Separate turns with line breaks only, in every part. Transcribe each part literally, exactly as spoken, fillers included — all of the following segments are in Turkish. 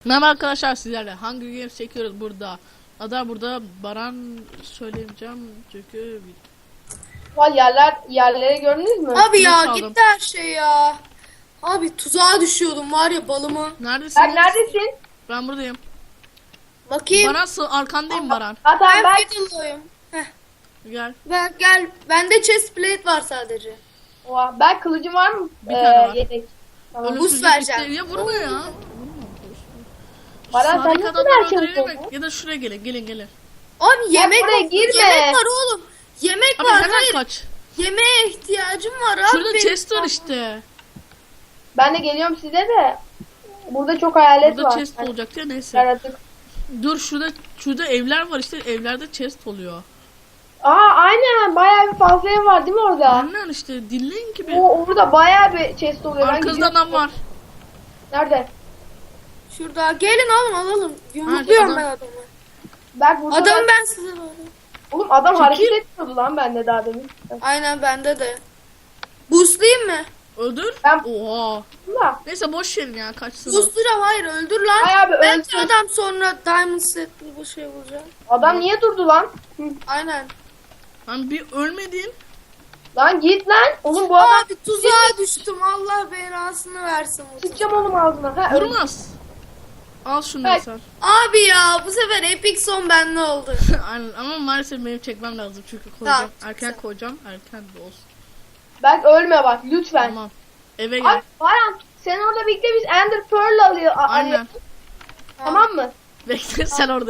Merhaba arkadaşlar, sizlerle Hunger Games çekiyoruz burada. Ada burada, Baran söyleyeceğim çünkü
Var yerler yerlere gördünüz mü?
Abi ya
çaldım.
gitti her şey ya. Abi tuzağa düşüyordum var ya balıma.
neredesin?
Sen neredesin?
Ben buradayım.
Bakayım.
Baran sı- arkandayım Baran.
Hatta
Ben
ben
fiddle'lıyım. Heh.
Gel.
Ben gel. Bende chest plate var sadece.
Oha, ben kılıcım var mı?
Bir tane var.
Yedek. Tamam.
Ölümsüzlük
boost vereceğim.
bitti. Ya vurma ya. Vurma.
Baran, sen
Sağdaki
nasıl
adamları
her şeyi
öldürelim
buldun?
Ya da şuraya gelin, gelin gelin.
Abi yemek
buraya
var.
girme.
Yemek var oğlum. Yemek
Abi
var.
hemen
Hayır.
kaç.
Yemeğe ihtiyacım var abi.
Şurada
benim.
chest var işte.
Ben de geliyorum size de. Burada çok hayalet
Burada
var.
chest
Yani
olacak ya, neyse.
Yaratık.
Dur, şurada şurada evler var işte, evlerde chest oluyor.
Aa aynen, bayağı bir fazla ev var değil mi orada?
Annen işte dinleyin ki bir.
O orada bayağı bir chest oluyor. Ben
Arkanızda
gidiyorum.
adam var.
Nerede?
Şurada gelin alın alalım. Yumrukluyorum
adam.
ben adamı.
Bak burada.
Adamı
ben...
ben size alayım.
Oğlum adam
Çekil.
hareket etmiyordu lan bende daha demin.
Aynen bende de. Boostlayayım mı?
Öldür.
Ben-
Oha.
Bunda.
Neyse boş verin ya, kaçsın. o.
Boostlayacağım hayır öldür lan.
Ay abi,
Belki
öldür.
adam sonra diamond setli bu şey bulacak.
Adam niye durdu lan? Hı.
Aynen.
Lan bir ölmedin.
Lan git lan. Oğlum bu adam
Abi tuzağa düştüm. Allah belasını versin. bu tuzağa.
sıçacağım oğlum ağzına. Ha, öyle.
Vurmaz. Al şunu
Bak.
sen.
Abi ya bu sefer epic son bende oldu.
Aynen, ama maalesef benim çekmem lazım çünkü koyacağım.
Tamam,
Erken
güzel.
koyacağım. Erken de olsun.
Bak ölme bak lütfen.
Tamam. Eve
Ay
gel.
Baran sen orada bekle, biz Ender Pearl alıyor. a-
Aynen.
alıyoruz. Tamam mı?
Bekle sen orada.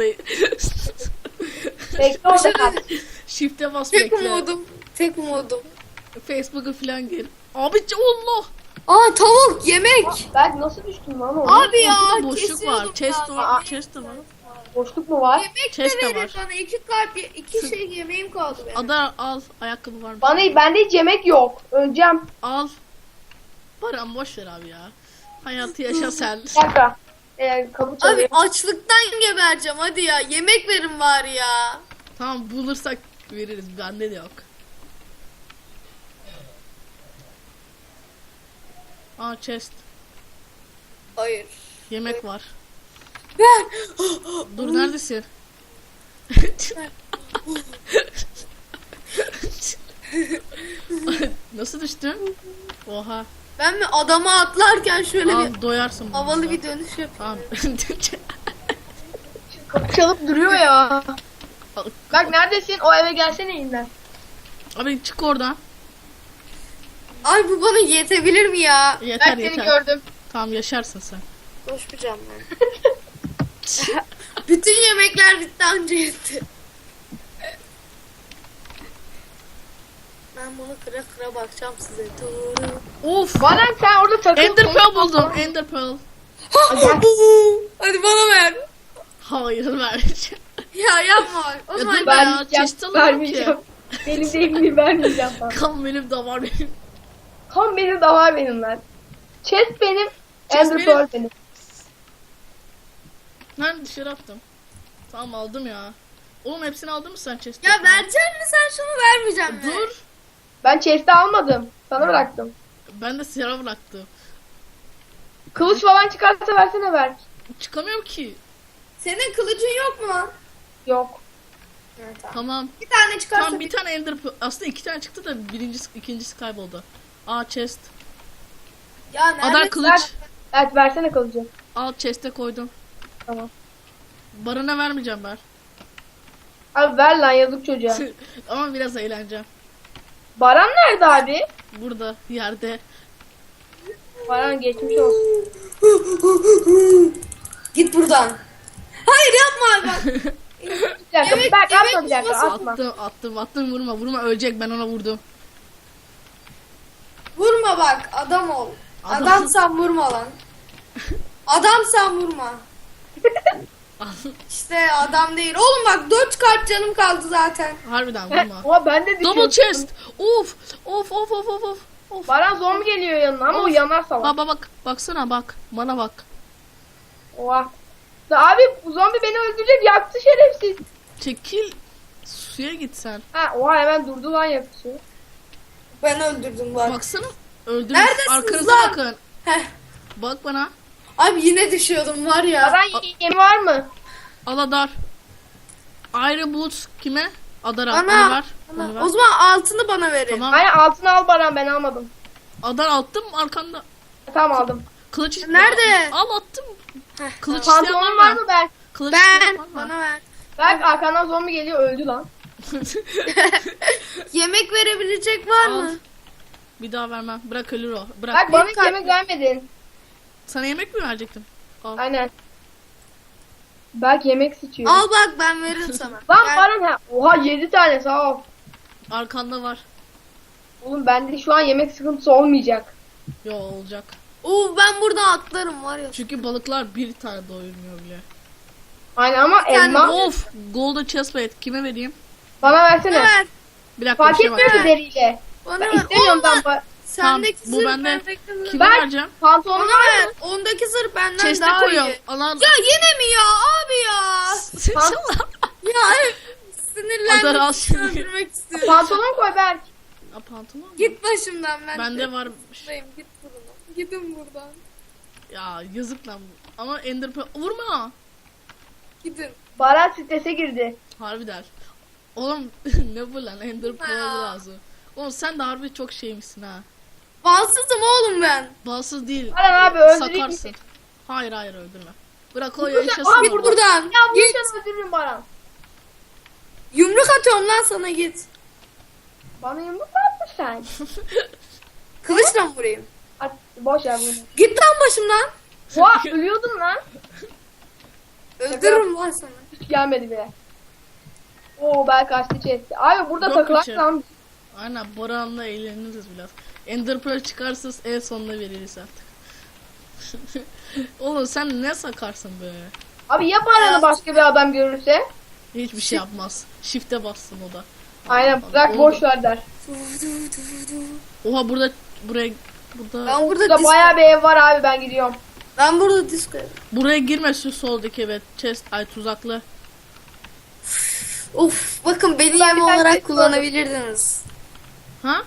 Bekle orada kal.
Shift'e bas,
Tek
bekle.
umudum. Tek umudum.
Facebook'a falan gir. Abi Allah.
Aa tavuk yemek.
Ben nasıl düştüm lan orada?
Abi ya
Burada boşluk var.
kesiyordum
Chest
ya.
var. Chest de var.
Boşluk mu var?
Yemek
Chest de
de verin
var.
bana. İki kalp, iki şey yemeğim kaldı benim.
Ada al. Ayakkabı var mı?
Bana bende hiç yemek yok. Öleceğim.
Al. Baran boş ver abi ya. Hayatı yaşa sen.
Bir dakika. Ee, kapı çalıyor.
Abi açlıktan gebereceğim hadi ya. Yemek verin bari ya.
Tamam, bulursak veririz. Bende de yok. Aa, chest.
Hayır.
Yemek var.
Ver.
Dur, neredesin? Nasıl düştün? Oha.
Ben mi adama atlarken şöyle
Al,
bir
doyarsın. bundan
havalı
da.
bir dönüş yapayım.
Tamam.
Kapı çalıp duruyor ya. Bak neredesin? O eve gelsene yeniden.
Abi çık oradan.
Ay bu bana yetebilir mi ya?
Yeter
Ben seni
yeter.
gördüm.
Tamam, yaşarsın sen.
Koşmayacağım ben. Bütün yemekler bitti anca yetti. Ben bunu kıra kıra bakacağım size. Doğru.
Of.
Baran sen orada takıl.
Ender Pearl buldum. Ender Pearl.
Hadi bana ver.
Hayır, vermeyeceğim.
Ya yapma. O
Ya
zaman
dur
ben...
ya,
Vermeyeceğim.
chest alamam
Vermeyeceğim.
ki.
Benim değil, vermeyeceğim sana.
Kan benim de var benim.
Kan benim de var benim lan. Chest benim.
Chest
Ender
benim.
Pearl benim.
Ben dışarı attım. Tamam, aldım ya. Oğlum hepsini aldın mı sen chest'e?
Ya verecek mi sen şunu vermeyeceğim mi?
Dur.
Ben chest'i almadım. Sana bıraktım.
Ben de silah bıraktım.
Kılıç falan çıkarsa versene ver.
Çıkamıyorum ki.
Senin kılıcın yok mu lan?
Yok.
Evet, tamam.
Tamam.
Bir tane çıkarsa
Tamam, bir tane Ender Pearl. Aslında iki tane çıktı da birincisi, ikincisi kayboldu. Aa, chest.
Ya nerede?
Adar kılıç.
Ver. Evet versene kılıcı.
Al, chest'e koydum.
Tamam.
Barına vermeyeceğim ben.
Abi ver lan, yazık çocuğa.
Ama biraz eğleneceğim.
Baran nerede abi?
Burada, yerde.
Baran geçmiş olsun.
Git buradan. Hayır yapma bak.
Bir dakika,
Evet,
bak
evet,
atma bir dakika,
nasıl
atma.
Attım, attım, attım. Vurma, vurma. Ölecek, ben ona vurdum.
Vurma bak adam ol.
Adam-
Adamsan vurma lan. Adamsan vurma. İşte adam değil. Oğlum bak dört kalp canım kaldı zaten.
Harbiden
Heh,
vurma.
Oha ben de düşüyorum.
Double chest. Of, of, of, of, of, of. Of.
Baran zombi geliyor yanına ama o yanar salak.
Baba bak, baksana bak. Bana bak.
Oha. Da abi bu zombi beni öldürecek, yaktı şerefsiz.
Çekil. Suya git sen.
Ha oha, hemen durdu lan yakışı.
Ben öldürdüm bak.
Baksana. Öldürün.
Neredesiniz
Arkanıza
lan?
bakın.
Heh.
Bak bana.
Abi yine düşüyordum var ya.
Baran yemi var mı?
Al Adar. Iron Boots kime? Adar'a.
Ana,
Onu ver.
ana.
Onu ver.
O zaman altını bana verin.
Tamam.
Aynen altını al Baran, ben almadım.
Adar attım arkanda.
Tamam aldım.
Kılıç ist-
Nerede?
Al attım.
Heh,
Kılıç isteyen
Pantolonun
var
var
mı?
mı Berk?
Kılıç isteyen
Ben
var mı?
bana ver.
Berk arkandan zombi geliyor, öldü lan.
Yemek verebilecek var
Al.
mı?
Bir daha vermem. Bırak ölür o. Bırak.
Berk bana
Benim
hiç yemek vermedin.
Sana yemek mi verecektim? Al.
Aynen. Berk yemek sıçıyor.
Al bak ben veririm sana.
Lan
Gel.
Baran ha. Oha yedi tane sağ ol.
Arkanda var.
Oğlum bende şu an yemek sıkıntısı olmayacak.
Yo olacak.
Oo, ben buradan atlarım var ya.
Çünkü balıklar bir tane doyurmuyor bile.
Aynen ama
tane
elma
Of! Golden chestplate kime vereyim?
bana
Bana
versene.
ver.
Bir dakika
Fark
bir şey var.
etmiyor ki deriyle.
Bana
Ben
ver.
istemiyorum ben.
Olmaz.
ba-
Sendeki
Tamam, bu
zırh
bende.
bendeki zırh.
Kime
Ben-
vereceğim?
Pantolonun
Bana
var
ver.
mı?
Ondaki zırh benden
Chest'e
daha
koyuyorum.
iyi.
Alan.
Ya yine mi ya abi ya?
Salak.
Ya evet, sinirlendim.
Adar al şimdi.
Öldürmek istiyorum.
Pantolon koy Berk.
Aa, pantolon mu?
Git başımdan ben.
Bende varmış.
Buradayım, git buradan. Gidin buradan.
Ya yazık lan bu. Ama Ender Pearl vurma.
Gidin.
Baran strese girdi.
Harbi der. Oğlum ne bu lan Ender Pearl
Ha.
lazım. Oğlum sen de harbi çok şeymişsin ha.
Balsızım oğlum ben.
Balsız değil.
Baran abi öldüreyim mi?
Sakarsın. Hayır hayır öldürme. Bırak o
Burada-
yaşasın.
Aa,
Git
orada.
buradan.
Ya bu
Git.
yüzden öldürürüm Baran.
Yumruk atıyorum lan sana, git.
Bana yumruk mu attın sen?
Kılıçla mı vurayım?
At, boş ver bunu.
Git lan başımdan.
Oha ölüyordum lan.
Öldürürüm lan sana.
Hiç gelmedi bile. Oo Berk açtı chest'i. Abi burada
Yok
takılak
bir şey.
lan.
Aynen Boran'la eğleniriz biraz. Ender Pearl çıkarsız en sonuna veririz artık. Oğlum sen ne sakarsın be?
Abi ya Baran'ı başka bir adam görürse?
Hiçbir şey yapmaz. Shift'e bassın o da.
Aynen bırak
Oldu.
boş ver der.
Oha burada buraya burada
Ben burada
Burada
disco.
bayağı bir ev var abi, ben gidiyorum.
Ben burada disco.
buraya girme şu soldaki evet chest ay tuzaklı.
Of, bakın beni
Ben
yem
bir tane
olarak
disco
kullanabilirdiniz.
Ha?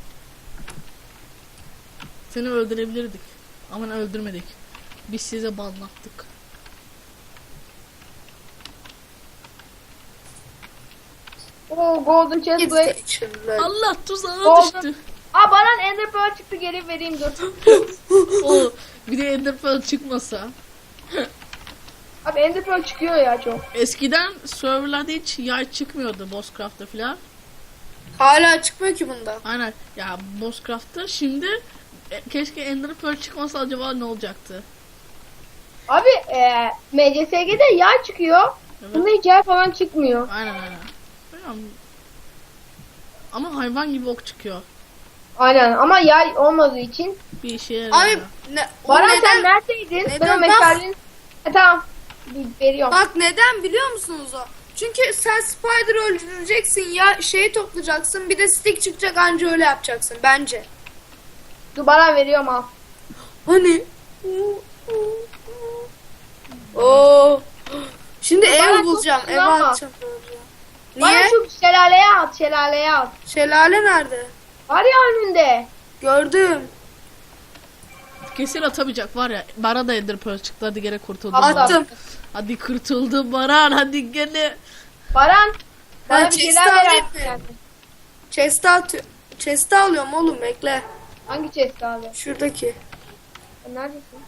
Seni öldürebilirdik. Ama öldürmedik. Biz size banlattık.
Oo golden chest
Git
plate.
geçirler.
Allah tuzağa
Oldu.
düştü.
Aa Baran Ender Pearl çıktı, geri vereyim dur.
O bir de Ender Pearl çıkmasa.
Abi Ender Pearl çıkıyor ya çok.
Eskiden serverlarda hiç yay çıkmıyordu Bosscraft'ta filan.
Hala çıkmıyor ki bunda.
Aynen ya Bosscraft'ta şimdi e, keşke Ender Pearl çıkmasa acaba ne olacaktı?
Abi e, M C S G'de yay çıkıyor.
Evet.
Bunda hiç yay falan çıkmıyor.
Aynen aynen. Bilmiyorum. Ama hayvan gibi ok çıkıyor.
Aynen ama yay olmadığı için.
Bir işe yarıyor.
Abi
ya.
ne, o
Baran
neden,
sen neredeydin?
neden
Ben o
bak-
meşalenin... E, tamam. Bir veriyorum.
bak neden biliyor musunuz o? Çünkü sen spider öldüreceksin ya, şeyi toplayacaksın, bir de stick çıkacak, anca öyle yapacaksın bence.
Dur Baran veriyorum al.
Hani? Oo. Şimdi
Bana
ev bulacağım,
çok
ev
kullanma.
atacağım.
Bana
Niye?
şu şelaleye at, şelaleye at.
Şelale nerede?
Var ya önünde.
Gördüm.
Kesin atamayacak var ya. Bana da Ender Pearl çıktı. Hadi gene kurtuldum.
At.
Attım.
Hadi kurtuldum Baran. Hadi gene.
Baran. Bana
Ben
bir
chest'i
şeyler ver
alayım
artık
mı?
yani.
Chest'i atıyorum. Chest'i alıyorum oğlum, bekle.
Hangi chest abi?
Şuradaki.
Sen neredesin?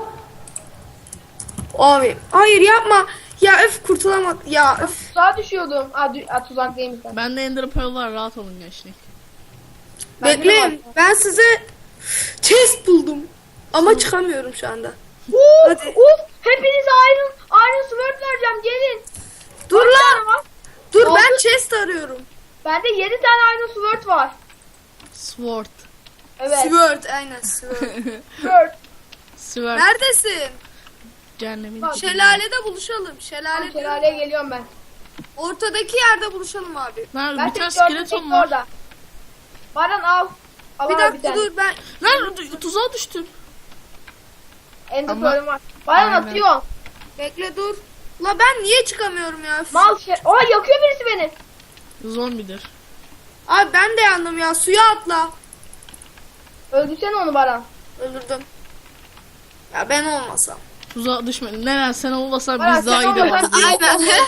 Abi hayır yapma. Ya öf, kurtulamadım. Ya öf.
Tuzağa düşüyordum. Aa, dü- Aa tuzak değilmiş sen.
Bende Ender Pearl var. Rahat olun gençlik.
Ben de
Bekleyin.
var.
Ben size chest buldum. Ama çıkamıyorum şu anda.
Uf,
Hadi.
uf, hepinize Iron, Iron Sword vereceğim, gelin.
Dur
Kaç
lan.
tane var?
Dur
Oldu.
ben chest arıyorum.
Bende yedi tane Iron Sword var.
Sword.
Evet.
Sword, aynen sword.
Sword.
Sword.
Neredesin?
Cehennemin
Bak,
içinde.
Şelalede buluşalım.
Tamam,
Şelale.
şelaleye geliyorum ben.
Ortadaki yerde buluşalım abi.
Lan
Ben
bir tane
seni gördüm,
skeleton
bekle
var.
orada. Baran al. Al
Bir
abi
dakika
tane.
dur ben.
Lan tu- tuzağa düştüm.
Ender
Ama-
Pearl'üm var. Baran
Aynen.
atıyor.
Bekle dur. La ben niye çıkamıyorum ya?
Mal şey. Oha yakıyor birisi beni.
Zombidir.
Abi ben de yandım ya. Suya atla.
Öldürsene onu Baran.
Öldürdüm. Ya ben olmasam.
Tuzağa düşme. Neren sen olmasan
Baran,
biz daha
sen
iyi de
olmasan-
vardık.
Aynen.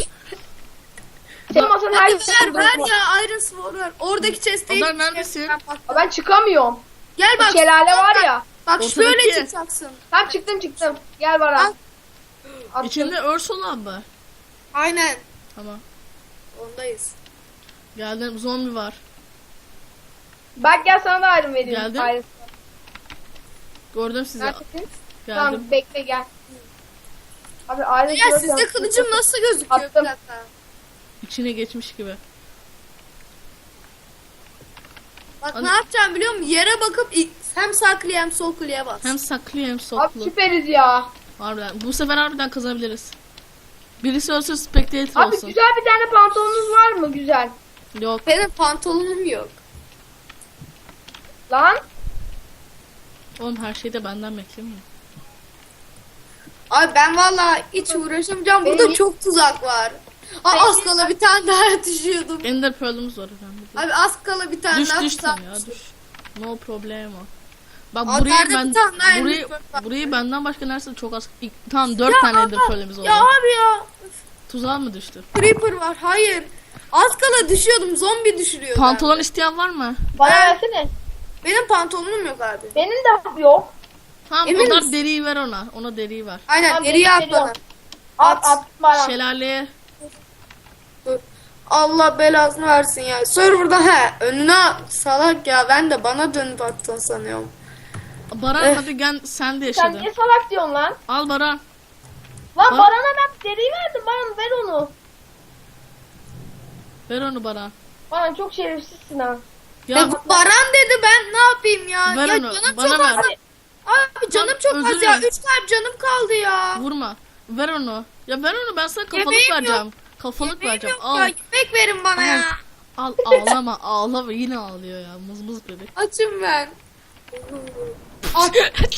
Sen olmasan her
Hadi
şey
ver ver ya Iron Sword ver. Oradaki chest'e
Adar neredesin?
Ben çıkamıyorum.
Gel bak.
Şelale var ya.
Bak
Ortadaki-
şöyle çıkacaksın.
Tam çıktım çıktım. Gel Baran.
Al.
Attım.
İçinde örs olan mı?
Aynen.
Tamam.
Ondayız.
Geldim, zombi var.
Bak gel sana da ayrım vereyim.
Geldim.
Ayrım.
Gördüm sizi.
Neredesin?
Geldim.
Tamam bekle gel. Abi ayrım
Ya sizde kılıcım nasıl gözüküyor?
Attım.
Bir dakika.
İçine geçmiş gibi.
Bak
An-
ne yapacağım biliyor musun? Yere bakıp i- hem sağ kliğe hem sol kliğe bas.
Hem saklı hem
Abi
soklu.
süperiz ya.
Harbiden. Bu sefer harbiden kazanabiliriz. Birisi ölsün, spectator
Abi
olsun.
güzel bir tane pantolonunuz var mı? Güzel.
Yok.
Benim pantolonum yok.
Lan.
Oğlum her şeyi de benden beklemiyor.
Abi ben vallahi hiç uğraşamayacağım. Burada
Benim-
çok tuzak var. Aa,
Benim-
az kala bir tane daha düşüyordum.
Ender Pearl'ımız var önemli değil.
Abi az kala bir tane
Düş
daha
düş
tuzak
sen ya
düştü.
düş. No problemo. Bak
Aa,
burayı
nerede
ben
bir tane daha
burayı
Ender Pearl var?
burayı benden başka neresi çok az. İlk- Tamam dört
Ya
tane
ama-
Ender Pearl'imiz oldu.
Ya abi ya.
Tuzağa mı düştü?
Creeper var. Hayır. Az kala düşüyordum. Zombi düşürüyor.
Pantolon
bende.
isteyen var mı?
Bana
Ben-
versene.
Benim pantolonum yok abi.
Benim de yok.
Tamam
Emin
o da
misin?
deriyi ver ona. Ona deriyi ver.
Aynen
Tamam,
geriye
benim
at
geliyor.
bana.
At
At.
at bana.
Şelaleye
Dur. Allah belasını versin ya. Server'da he. Önüne salak ya. Ben de bana dönüp attın sanıyorum.
Baran
Eh.
hadi gel sen de
Sen
yaşadın.
niye salak diyorsun lan?
Al Baran.
Lan
Bak.
Baran'a ben deriyi verdim. Baran ver onu.
Ver onu Baran.
Baran çok şerefsizsin ha.
Ya
Ya Baran dedi ben ne yapayım ya?
Ver
ya
onu,
canım
bana
çok
ver.
az. Abi canım çok
özür
az ya.
dilerim.
Üç kalp canım kaldı ya.
vurma. Ver onu. Ya ver onu ben sana kafalık
Yemeğim yok.
vereceğim. Kafalık
Yemeğim
vereceğim.
yok
Al.
ya. Yemek verin bana
Al.
ya.
Al ağlama ağlama yine ağlıyor ya mız mız bebek.
Açım ben. At.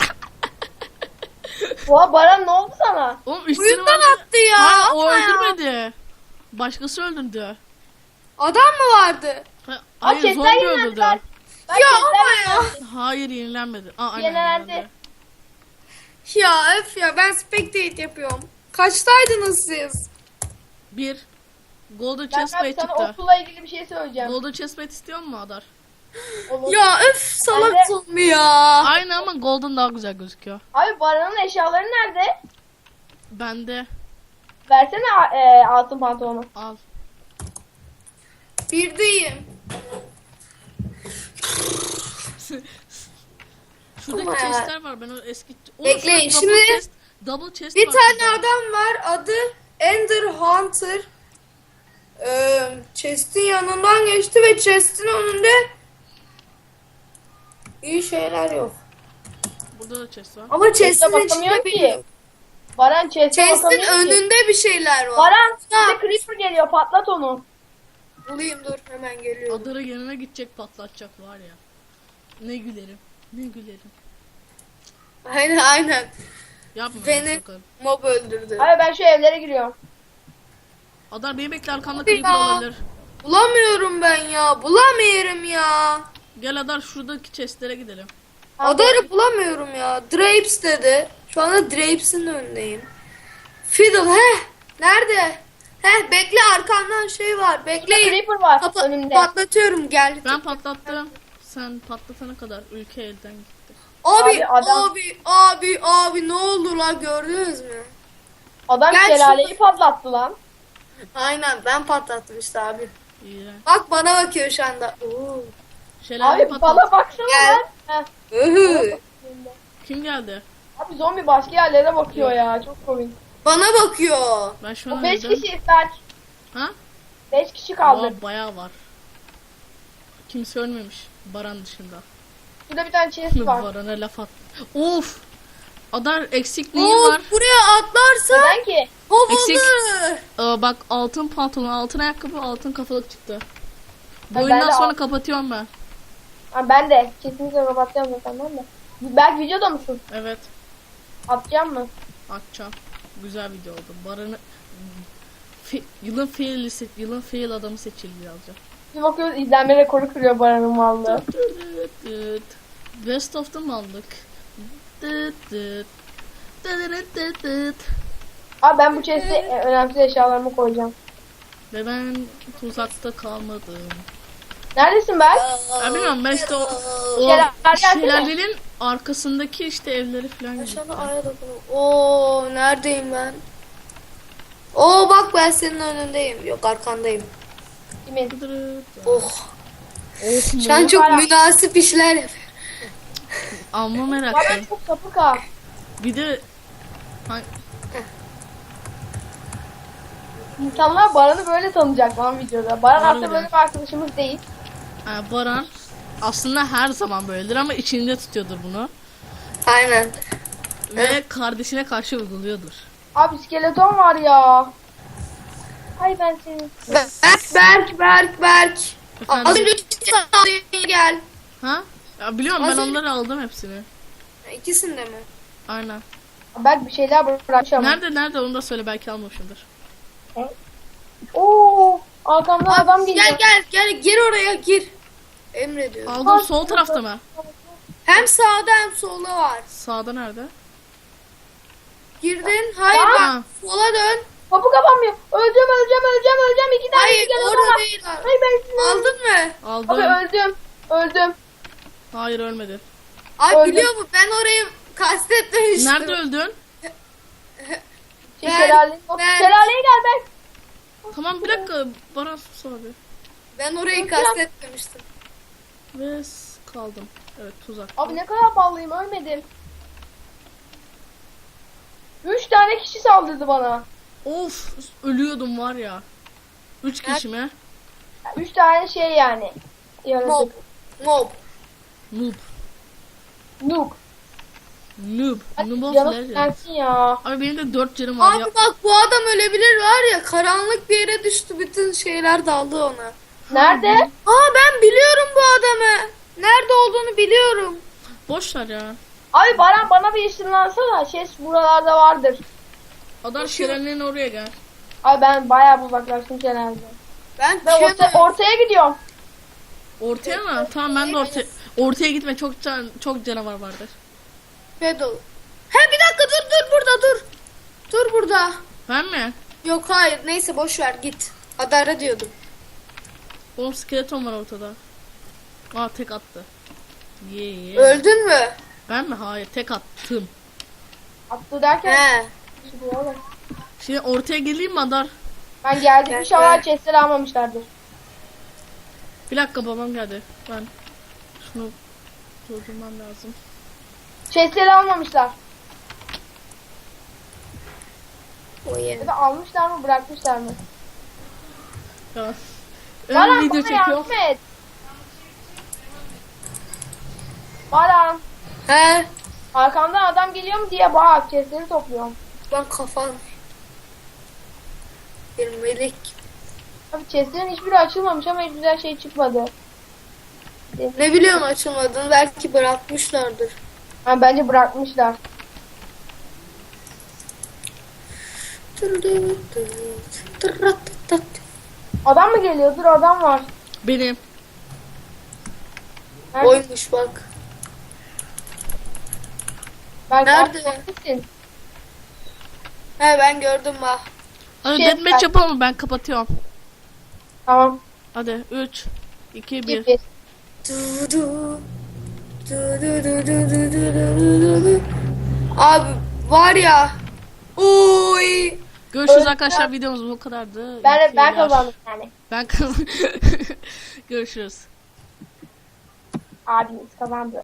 Oha Baran ne oldu sana?
Oğlum üstüne
Uyundan
var.
attı ya.
Ha o
Atma ya.
öldürmedi. Başkası öldürdü.
Adam mı vardı?
Ha,
Aa,
hayır
chestler
zombi
yenilendiler.
öldürdü.
Ben
Ya
chestler
ama ya.
Hayır yenilenmedi. Aa, aynen,
Yenilendi.
yenilendi.
Ya öf ya ben spectate yapıyorum. Kaçtaydınız siz?
Bir. Golden
Ben
chestplate
abi sana
çıktı.
okulla ilgili bir şey söyleyeceğim.
Golden chestplate istiyor mu Adar?
Olur.
Ya öf salak
Ben de-
zombi ya.
Aynı ama golden daha güzel gözüküyor.
Abi Baran'ın eşyaları nerede?
Bende.
Versene e, altın pantolonu.
Al.
Birdeyim.
Şuradaki
Ama-
chestler var. Ben o eski... Oğlum,
Bekleyin,
şurada double
şimdi-
chest, double chest
Bir
var
tane
şurada.
adam var adı Ender Hunter. Ee, chest'in yanından geçti ve chest'in önünde iyi şeyler yok.
Burada da chest var.
Ama chest'in
bakamıyor
içinde
ki.
bir
Baran chest'e
Chest'in
bakamıyor ki.
önünde bir şeyler var.
Baran
Ya.
size creeper geliyor patlat onu.
Bulayım dur hemen geliyorum.
Adar'a yanına gidecek patlatacak var ya. Ne gülerim. Ne gülerim.
Aynen aynen.
Yapma.
Beni
bakalım.
mob öldürdü.
Abi ben şu evlere giriyorum.
Adar beni bekle arkamda
Hadi
creeper
ya.
olabilir.
Bulamıyorum ben ya. Bulamıyorum ya.
Gel Adar şuradaki chestlere gidelim.
Adar'ı bulamıyorum ya. Drapes dedi. Şu anda Drapes'in önündeyim. Fiddle heh. Nerede? Heh bekle arkamdan şey var.
Burada
Bekleyin.
creeper var
Kapa-
önümde.
patlatıyorum gel.
Ben patlattım. Sen patlatana kadar ülke elden gitti.
Abi
Abi, adam-
abi abi abi ne oldu lan gördünüz mü?
Adam
Gel
şelaleyi
şurada.
patlattı lan.
Aynen ben patlattım işte abi.
İğrenç.
Bak bana bakıyor şu anda. Oo.
Şelale
Abi
patlat.
bana baksana
Gel.
lan. Heh.
Ühü.
Kim geldi?
Abi zombi başka yerlere bakıyor ya. Çok komik.
Bana bakıyor.
Ben şu an
O beş
öldüm.
kişi Berk.
Ha?
beş kişi kaldı.
Aa, bayağı var. Kimse ölmemiş. Baran dışında.
Burada bir tane chest var.
Baran'a laf at. Of! Adar eksik
Oo,
neyin var?
buraya atlarsa
Neden ki?
Eksik.
havalı.
Aa, bak altın pantolon, altın ayakkabı, altın kafalık çıktı. Bu
Ha,
oyundan
ben de
sonra
al-
kapatıyorum ben.
Ha, ben de. Kesinlikle kapatacağım zaten ben de. Berk videoda mısın?
Evet.
Atacağım mı?
Atacağım. Güzel video oldu. Baran'ı Fe- yılın fail yılın fail adamı seçildi yazacağım.
Bir bakıyoruz izlenme rekoru kırıyor Baran'ın vallahi.
Dıt dıt. Best of'ta mı aldık? Dıt dıt.
Abi ben bu chest'e e, önemsiz eşyalarımı koyacağım.
Ve ben tuzakta kalmadım.
Neredesin ben?
Ya bilmiyorum ben işte o, o
Şelale gelsene.
şelalenin arkasındaki işte evleri falan gibi.
Aşağıda aya dokunun. Oo neredeyim ben? Oo bak ben senin önündeyim. Yok arkandayım.
Kimin?
Oh.
Of mu?
Şu an çok
Para.
münasip işler yapıyorum.
Amma
Bana
meraklı.
çok sapık ha.
Bir de ha-
İnsanlar Baran'ı böyle tanıyacak lan videoda. Baran
Harbiden.
aslında böyle bir arkadaşımız değil.
ha, Baran aslında her zaman böyledir ama içinde tutuyordur bunu.
Aynen.
Ve kardeşine karşı uyguluyordur.
Abi skeleton var ya. Hay ben seni.
Berk Berk Berk Berk.
Efendim?
Az önce sağlığa gel.
Ha? Ya biliyorum ben
Az önce-
onları aldım hepsini.
İkisinde mi?
Aynen.
Belki bir şeyler bırakmış ama.
Nerede nerede onu da söyle belki almamışımdır.
Oo, arkamdan adam geliyor.
Gel gel gel gir oraya gir. Emrediyorum.
Aldım sol tarafta mı?
Hem sağda hem solda var.
Sağda nerede?
Girdin. Hayır
Aa!
bak sola dön.
Kapı kapanmıyor. Öleceğim öleceğim öleceğim öleceğim. İki tane
Hayır
skeleton
orada
var.
değil.
Hay ben seni.
Aldın mı?
Aldım.
Abi öldüm. Öldüm.
Hayır ölmedi.
Abi
Öldüm.
biliyor musun ben orayı kastetmemiştim.
Nerede öldün?
Şey,
Ben-
şelale.
ben-
Şelaleye gel ben.
Tamam bir dakika. Baran sus abi.
Ben orayı kastetmemiştim.
Ve s- kaldım. Evet tuzak.
Abi ne kadar ballıyım ölmedim. Üç tane kişi saldırdı bana.
Of ölüyordum var ya. Üç kişi mi?
Üç tane şey yani.
Mob.
Yaratık.
Mob.
Noob.
Noob.
Noob. Noob of
Canım
Legends.
sensin ya.
Abi benim de dört canım var ya.
Abi bak bu adam ölebilir var ya karanlık bir yere düştü bütün şeyler daldı ona.
Nerede?
Aa ben biliyorum bu adamı. Nerede olduğunu biliyorum.
Boş ver ya.
Abi Baran bana bir ışınlansana. Şey buralarda vardır.
Adam şelalenin oraya gel.
Abi ben bayağı uzaklaştım genelde.
Ben
Ben orta,
düşemem.
ortaya gidiyorum.
Ortaya mı? Tamam ben de ortaya. Ortaya gitme çok can, çok canavar vardır.
Pedal. He bir dakika dur dur burada dur. Dur burada.
Ben mi?
Yok hayır neyse boş ver git. Adara diyordum.
Oğlum skeleton var ortada. Aa tek attı. Ye ye.
Öldün mü?
Ben mi? Hayır tek attım.
Attı derken.
He.
Şimdi ortaya geleyim mi Adar?
Ben geldim.
Gel,
İnşallah
gel.
chestleri almamışlardır.
Bir dakika babam geldi. Ben şunu durdurmam lazım.
Chestleri almamışlar.
O
Ya
yeni.
da almışlar mı bırakmışlar mı?
Ya. Ön
Baran
video
bana
çekiyor.
yardım et. Baran.
He.
Arkamdan adam geliyor mu diye bak. Chestleri topluyorum.
Lan kafan. Bir melek.
Abi chestlerin hiçbiri açılmamış ama hiç güzel şey çıkmadı.
Ne biliyorsun açılmadığını belki bırakmışlardır.
Ha, bence bırakmışlar. Adam mı geliyor? Dur adam var.
Benim.
Nerede?
Oymuş bak.
Ben
Nerede?
Neredesin?
He ben gördüm bak.
Hadi
Şey
deathmatch
ben-
yapalım mı? Ben kapatıyorum.
Tamam.
Hadi üç, iki, bir.
Git.
Abi var ya. Uy.
Görüşürüz
Öyle-
arkadaşlar. Videomuz bu kadardı.
Ben,
İyi
ben
seyirler.
kazandım yani.
Ben kazandım. Görüşürüz.
Abimiz kazandı.